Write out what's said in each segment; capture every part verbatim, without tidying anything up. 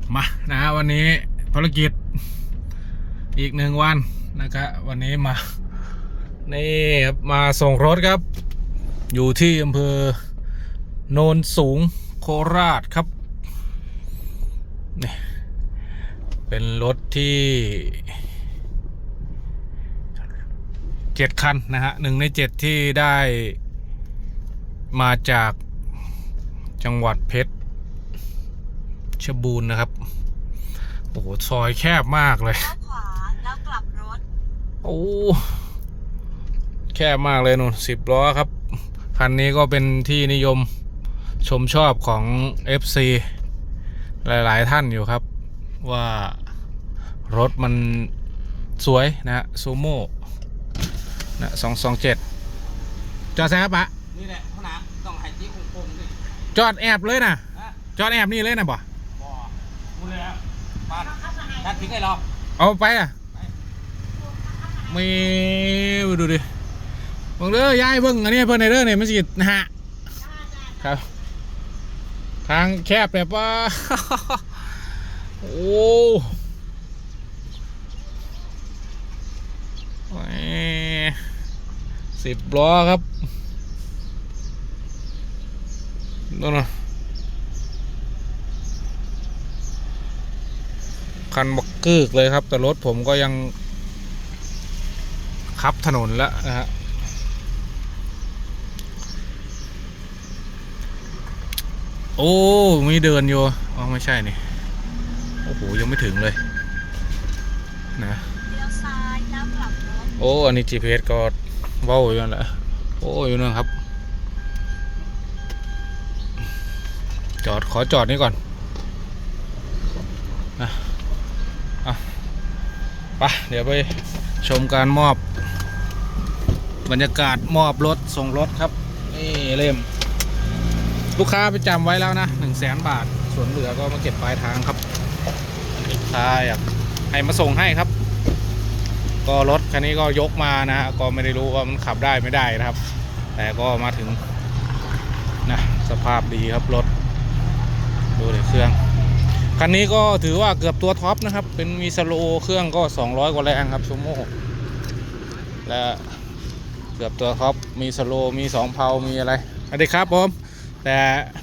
มานะฮะวันนี้ภารกิจอีกหนึ่งวันนะครับวันนี้มานี่ครับมาส่งรถครับอยู่ที่อำเภอโนนสูงโคราชครับนี่เป็นรถที่เจ็ดคันนะฮะหนึ่งในเจ็ดที่ได้มาจากจังหวัดเพชรชบูรณ์นะครับโอ้โหซอยแคบมากเลยขวาแล้วกลับรถโอ้แคบมากเลยนู่นสิบล้อครับคันนี้ก็เป็นที่นิยมชมชอบของ เอฟ ซี หลายๆท่านอยู่ครับว่ารถมันสวยนะฮะซูโม่นะสองสองเจ็ดจอดแซ่บปะนี่แหละขนาดต้องให้จี้คงๆด้วยจอดแอบเลยนะจอดแอบนี่เลยนะบ่มูเลยครับบ้านทัดทิ้งให้เราเอาไปอ่ะไม่ดูดิเบิ่งเด้อยายเบิ่งอันนี้เพิ่นในเด้อเนี่ยมันสินะฮะครับทางแคบแบบว่าโอ้สิบล้อครับนู่นน่ะคันบักกึกเลยครับแต่รถผมก็ยังขับถนนแล้วนะฮะโอ้มีเดินอยู่อ๋อไม่ใช่นี่โอ้โหยังไม่ถึงเลยนะโอ้อันนี้ จี พี เอส ก็เว้าอยู่นั่นแหละโอ้อยู่นั่นครับจอดขอจอดนี่ก่อนนะอ่ะไปเดี๋ยวไปชมการมอบบรรยากาศมอบรถส่งรถครับนี่เล่มลูกค้าไปจำไว้แล้วนะหนึ่งแสนบาทส่วนเหลือก็มาเก็บปลายทางครับลูกค้าอยากให้มาส่งให้ครับก็รถคันนี้ก็ยกมานะฮะก็ไม่ได้รู้ว่ามันขับได้ไม่ได้นะครับแต่ก็มาถึงนะสภาพดีครับรถดูเลยเครื่องคันนี้ก็ถือว่าเกือบตัวท็อปนะครับเป็นมีสโลเครื่องก็สองร้อยกว่าแรงครับซูโม่และเกือบตัวท็อปมีสโลมีสองเพามีอะไรสวัสดีครับผมแต่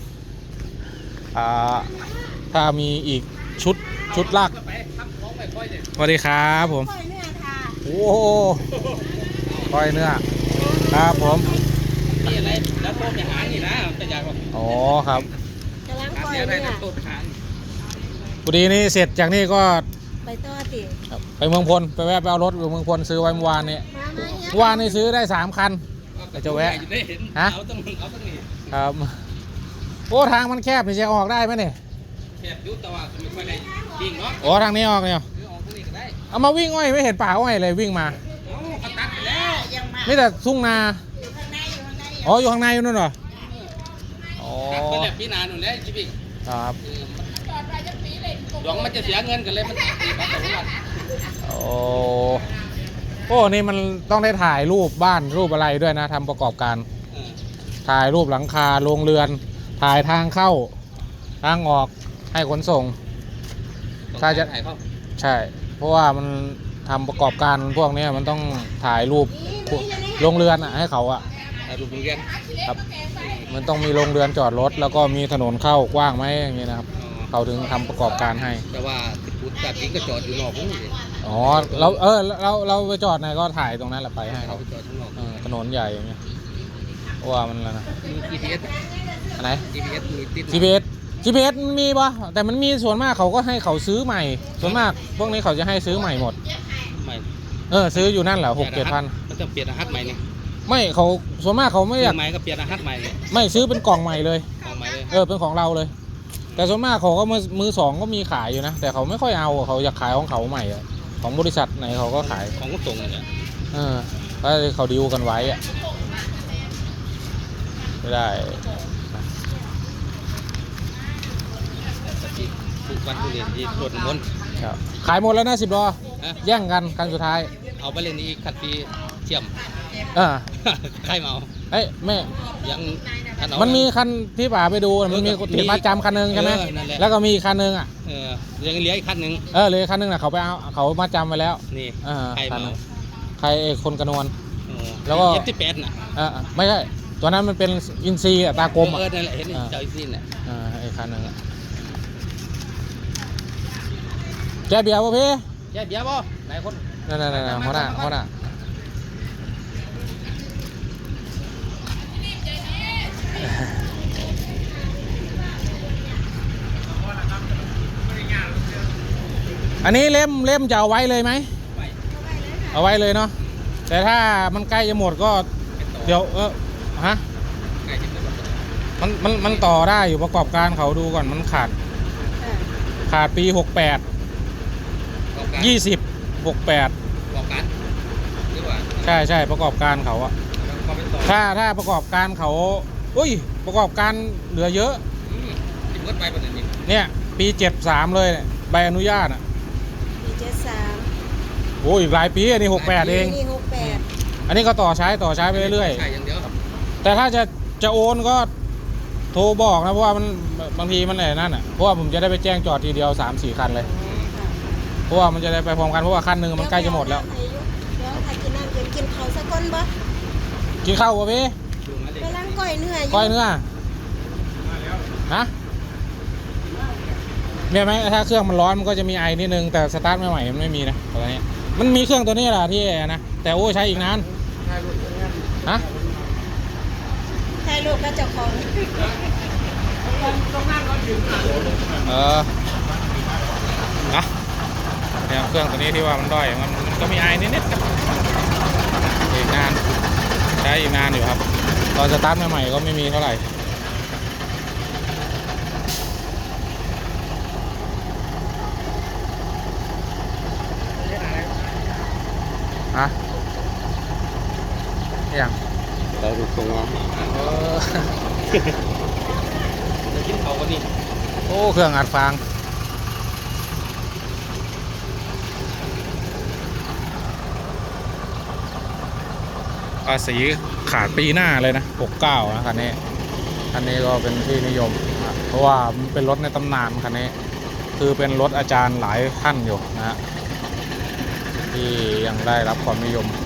ถ้ามีอีกชุดชุดลากสวัสดีครับผมโอ้โหก้อยเนื้อครับผมนี่อะไรแล้วโต้มอย่างนี้นะจะอยากบอกอ๋อครับกำลังก้อยเนี่ยพอดีนี่เสร็จจากนี่ก็ไปต่อติไปเมืองพลไปแวะไปเอารถอยู่เมืองพลซื้อไว้เมื่อวานนี้เมื่อวานนี้ซื้อได้สามคันจะแวะฮะครับโอ้ทางมันแคบจะออกได้ไหมเนี่ยแคบยุบแต่ว่าไม่ค่อยได้วิ่งเนาะอ๋อทางนี้ออกเนี่ยเอามาวิ่งอ้อยไม่เห็นป่าอ้อยเลยวิ่งมาตัดไปแล้วไม่แต่ทุ่งนาอ๋ออยู่ข้างในอยู่นั่นเหรออ๋อก็แบบพี่นาหนุนแล้วจีบิครับหลวงมันจะเสียเงินกันเลยมันตีบัตรทุกวันโอ้โอ้นี่มันต้องได้ถ่ายรูปบ้านรูปอะไรด้วยนะทำประกอบการถ่ายรูปหลังคาโรงเรือนถ่ายทางเข้าทางออกให้ขนส่งถ้าจะถ่ายเข้าใช่เพราะว่ามันทำประกอบการพวกนี้มันต้องถ่ายรูปโรงเรือนอ่ะให้เขาอ่ะถ่ายรูปโรงเรือนครับมันต้องมีโรงเรือนจอดรถแล้วก็มีถนนเข้ากว้างไหมอย่างนี้นะครับเขาถึงทำประกอบการให้แต่ว่าติดพุทธจริงก็จอดอยู่นอกพวกนี้อ๋อเราเออเราเราไปจอดไหนก็ถ่ายตรงนั้นแหละไปให้เขาจอดข้างนอกถนนใหญ่อย่างเงี้ยว่ามันอะไรนะมี จี พี เอสอะไรจี พี เอส มีติดจี พี เอส จี พี เอส มีปะแต่มันมีส่วนมากเขาก็ให้เขาซื้อใหม่ส่วนมากพวกนี้เขาจะให้ซื้อใหม่หมดใหม่เออซื้ออยู่นั่นแหละหกเจ็ดพันมันจะเปลี่ยนรหัสใหม่เนี่ยไม่เขาส่วนมากเขาไม่อยากใหม่ก็เปลี่ยนรหัสใหม่เลยไม่ซื้อเป็นกล่องใหม่เลยกล่องใหม่เลยเออเป็นของเราเลยแต่ส่วนมากเขาก็มือมือสองก็มีขายอยู่นะแต่เขาไม่ค่อยเอาเขาอยากขายของเขาใหม่อะของบริษัทไหนเขาก็ขายของก็ส่งเนี่ยเออก็เขาดีลกันไว้อะไม่ได้ทุกวันทุเรียนที่รถม้วนขายหมดแล้วนะสิบล้อแย่งกันครั้งสุดท้ายเอาไปเล่นอีกคัดปีเชื่อมเออใครเมาเเอ้ยแม่ยังคันเอามันมีคันที่ป่าไปดูมันมีติดมาจำคันหนึงใช่ไหมเออนั่นแหละแล้วก็มีอีกคันหนึงอ่ะเออยังเหลืออีกคันหนึ่งเออเลยคันหนึงน่ะเขาไปเอาเขามาจำไว้แล้วนี่เออใครคันเมานั้นใครไอ้คนกระนวลโอ้แล้วก็เอฟที่แปดน่ะเออไม่ใช่ตัวนั้นมันเป็นอินซีอะตากลมอ่ะเออนั่นแหละเห็นอ่าเจ้าอีซินน่ะเออไอ้คันหนึงอะแกเบียร์ป่ะพี่แย่เบียร์บ่ไหนคนนั่นนั่นนั่นหัวหน้าหัวหน้าอันนี้เล่มเล่มจะเอาไว้เลยไหมไปเอาไว้เลยเนาะแต่ถ้ามันใกล้จะหมดก็เดี๋ยวเออฮะใกล้จะหมดแล้วมันมันมันต่อได้อยู่ประกอบการเขาดูก่อนมันขาดอ่าขาดปีหกแปดบอกการยี่สิบหกแปดบอกการหรือว่าใช่ใช่ประกอบการเขาอะเขาเป็นต่อถ้าถ้าประกอบการเขาอุ้ยประกอบการเหลือเยอะอืมที่เบิดไปประเด็นนี้เนี่ยปีเจ็ดสามเลยเนี่ยใบอนุญาตอะปีเจ็ดสามโอ้ยอีกหลายปีอันนี้หกแปดเองนี่หกแปดอันนี้ก็ต่อใช้ต่อใช้ไปเรื่อยใช่อย่างเดียวๆแต่ถ้าจะจะโอนก็โทรบอกนะเพราะว่ามันบางทีมันอะไรนั่นอ่ะเพราะว่าผมจะได้ไปแจ้งจอดทีเดียวสามสี่คันเลยค่ะเพราะว่ามันจะได้ไปพร้อมกันเพราะว่าคันหนึ่งมันใกล้จะหมดแล้วเดี๋ยวถ้ากินน้ำเย็นกินเขาวสักก้นบ่กินข้าวป่ะพี่ดูมาเลยกำลังก้อยเนื้ออยู่ก้อยเนื้อฮะเนี่ยไหมถ้าเครื่องมันร้อนมันก็จะมีไอนิดนึงแต่สตาร์ทใหม่ๆมันไม่มีนะตอนนี้มันมีเครื่องตัวนี้แหละที่นะแต่โอ้ใช้อีกนานฮะถ่ายรูปกับเจ้าของเอออะเนี่ยเครื่องตัวนี้ที่ว่ามันด้อยมันมันก็มีไอนิดๆครับอีกนานใช้อีกนานอยู่ครับตอนสตาร์ทใหม่ๆก็ไม่มีเท่าไหร่ฮะอย่างได้ดูตรงว่าเออจะกินเขากันนี่โอ้เครื่องอัดฟางภาษีขาดปีหน้าเลยนะหกเก้านะคันนี้คันนี้ก็เป็นที่นิยมนะเพราะว่ามันเป็นรถในตำนานคันนี้คือเป็นรถอาจารย์หลายท่านอยู่นะฮะที่ยังได้รับความนิยม